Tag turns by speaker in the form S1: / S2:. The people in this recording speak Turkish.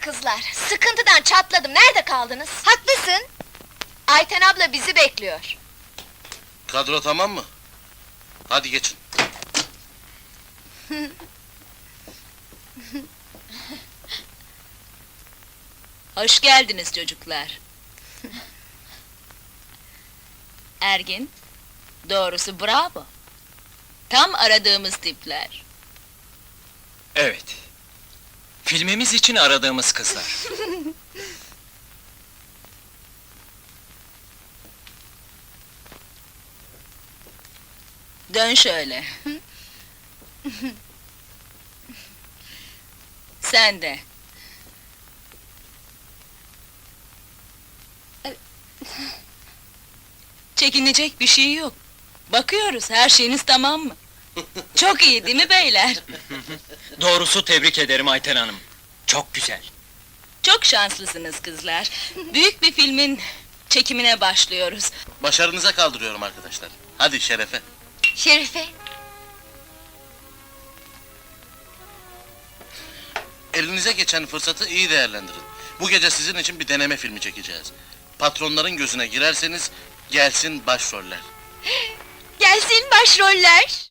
S1: kızlar, sıkıntıdan çatladım, nerede kaldınız? Haklısın! Ayten abla bizi bekliyor.
S2: Kadro tamam mı? Hadi geçin.
S3: Hoş geldiniz çocuklar. Ergin, doğrusu bravo. Tam aradığımız tipler.
S4: Evet. Filmimiz için aradığımız kızlar.
S3: Dön şöyle. Sen de. Çekinecek bir şey yok. Bakıyoruz, her şeyiniz tamam mı? Çok iyi değil mi beyler?
S4: Doğrusu tebrik ederim Ayten Hanım. Çok güzel.
S3: Çok şanslısınız kızlar. Büyük bir filmin çekimine başlıyoruz.
S2: Başarınıza kaldırıyorum arkadaşlar. Hadi şerefe.
S1: Şerife!
S2: Elinize geçen fırsatı iyi değerlendirin. Bu gece sizin için bir deneme filmi çekeceğiz. Patronların gözüne girerseniz, gelsin başroller.
S1: Gelsin başroller!